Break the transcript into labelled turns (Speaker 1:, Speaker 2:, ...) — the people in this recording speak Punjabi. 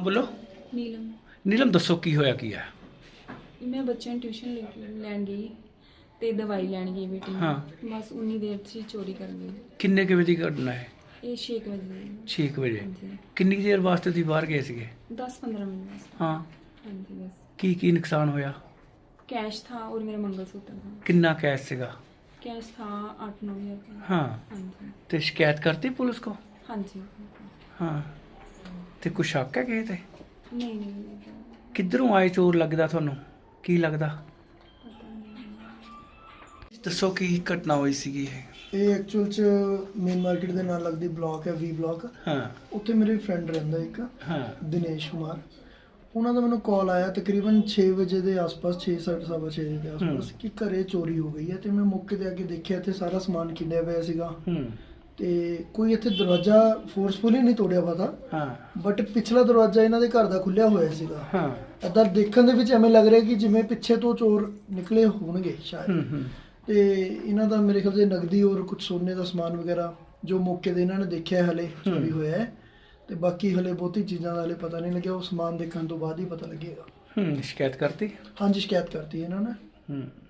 Speaker 1: ਬੋਲੋ।
Speaker 2: ਨੀਲਮ।
Speaker 1: ਨੀਲਮ ਦੱਸੋ ਕੀ ਹੋਇਆ ਕੀ ਹੈ?
Speaker 2: ਮੈਂ ਬੱਚਿਆਂ ਨੂੰ ਟਿਊਸ਼ਨ ਲੈਣ ਗਈ ਤੇ ਦਵਾਈ ਲੈਣ ਗਈ ਬੇਟੀ ਨੂੰ।
Speaker 1: ਹਾਂ।
Speaker 2: ਬਸ ਉਨੀ ਦੇਰ 'ਚ ਹੀ ਚੋਰੀ ਕਰ ਗਈ।
Speaker 1: ਕਿੰਨੇ ਕੁ ਵਜੇ ਦੀ ਘਟਨਾ ਹੈ?
Speaker 2: ਇਹ 6 ਵਜੇ।
Speaker 1: 6 ਵਜੇ।
Speaker 2: ਹਾਂਜੀ।
Speaker 1: ਕਿੰਨੀ ਕੁ ਦੇਰ ਵਾਸਤੇ ਤੁਸੀਂ ਬਾਹਰ ਗਏ ਸੀਗੇ?
Speaker 2: 10-15 ਮਿੰਟ ਵਾਸਤੇ।
Speaker 1: ਹਾਂ।
Speaker 2: ਹਾਂਜੀ ਬਸ।
Speaker 1: ਕੀ ਨੁਕਸਾਨ ਹੋਇਆ?
Speaker 2: कैश था और मेरा मंगलसूत्र था।
Speaker 1: ਕਿੰਨਾ ਕੈਸ਼ ਸੀਗਾ?
Speaker 2: कैश था 8-9 हज़ार का।
Speaker 1: ਹਾਂ।
Speaker 2: हाँ जी।
Speaker 1: ਤੇ ਸ਼ਿਕਾਇਤ ਕਰਤੀ ਪੁਲਿਸ ਕੋ?
Speaker 2: हाँ जी।
Speaker 1: ਹਾਂ। ਤੇ ਕੁਛ ਸ਼ੱਕ ਹੈ ਕਿਸੇ ਤੇ?
Speaker 2: नहीं नहीं
Speaker 1: ਕਿੱਧਰੋਂ ਆਏ ਚੋਰ ਲੱਗਦਾ ਤੁਹਾਨੂੰ? ਕੀ ਲੱਗਦਾ?
Speaker 2: पता नहीं।
Speaker 1: ਦੱਸੋ ਕੀ ਘਟਨਾ ਹੋਈ ਸੀਗੀ ਇਹ?
Speaker 3: ਇਹ ਐਕਚੁਅਲ ਚ ਮੇਨ ਮਾਰਕੀਟ ਦੇ ਨਾਲ ਲੱਗਦੀ ਬਲਾਕ ਹੈ ਵੀ ਬਲਾਕ।
Speaker 1: ਹਾਂ।
Speaker 3: ਉੱਥੇ ਮੇਰੇ ਫਰੈਂਡ ਰਹਿੰਦਾ ਇੱਕ
Speaker 1: ਹਾਂ।
Speaker 3: ਦਿਨੇਸ਼ ਕੁਮਾਰ। ਉਹਨਾਂ ਦਾ ਮੈਨੂੰ ਕਾਲ ਆਇਆ ਤਕਰੀਬਨ 6 ਵਜੇ ਦੇ ਆਸ-ਪਾਸ, 6:30 ਦੇ ਆਸ-ਪਾਸ ਕਿ ਘਰੇ ਚੋਰੀ ਹੋ ਗਈ ਹੈ। ਤੇ ਮੈਂ ਮੌਕੇ ਤੇ ਆ ਕੇ ਦੇਖਿਆ ਤੇ ਸਾਰਾ ਸਮਾਨ ਖਿੰਡਿਆ ਪਿਆ ਸੀਗਾ। ਤੇ ਕੋਈ ਇੱਥੇ ਦਰਵਾਜ਼ਾ ਫੋਰਸਫੁਲੀ ਨਹੀਂ ਤੋੜਿਆ ਪਤਾ।
Speaker 1: ਹਾਂ।
Speaker 3: ਬਟ ਪਿਛਲਾ ਦਰਵਾਜ਼ਾ ਇਹਨਾਂ ਦੇ ਘਰ ਦਾ ਖੁੱਲਿਆ ਹੋਇਆ ਸੀਗਾ।
Speaker 1: ਹਾਂ।
Speaker 3: ਏਦਾਂ ਦੇਖਣ ਦੇ ਵਿੱਚ ਐਵੇਂ ਲੱਗ ਰਿਹਾ ਕਿ ਜਿਵੇਂ ਪਿੱਛੇ ਤੋਂ ਚੋਰ ਨਿਕਲੇ ਹੋਣਗੇ ਸ਼ਾਇਦ। ਤੇ ਇਹਨਾਂ ਦਾ ਮੇਰੇ ਖਿਆਲ 'ਚ ਨਗਦੀ ਔਰ ਕੁਝ ਸੋਨੇ ਦਾ ਸਮਾਨ ਵਗੈਰਾ ਜੋ ਮੌਕੇ ਤੇ ਇਹਨਾਂ ਨੇ ਦੇਖਿਆ ਹਲੇ ਚੋਰੀ ਹੋਇਆ ਹੈ। ਤੇ ਬਾਕੀ ਹਲੇ ਬਹੁਤੀ ਚੀਜ਼ਾਂ ਦਾ ਹਲੇ ਪਤਾ ਨਹੀਂ ਲੱਗਿਆ। ਉਹ ਸਮਾਨ ਦੇਖਣ ਤੋਂ ਬਾਅਦ ਹੀ ਪਤਾ ਲੱਗੇਗਾ।
Speaker 1: ਸ਼ਿਕਾਇਤ ਕਰਤੀ?
Speaker 3: ਹਾਂਜੀ, ਸ਼ਿਕਾਇਤ ਕਰਤੀ ਇਹਨਾਂ ਨੇ।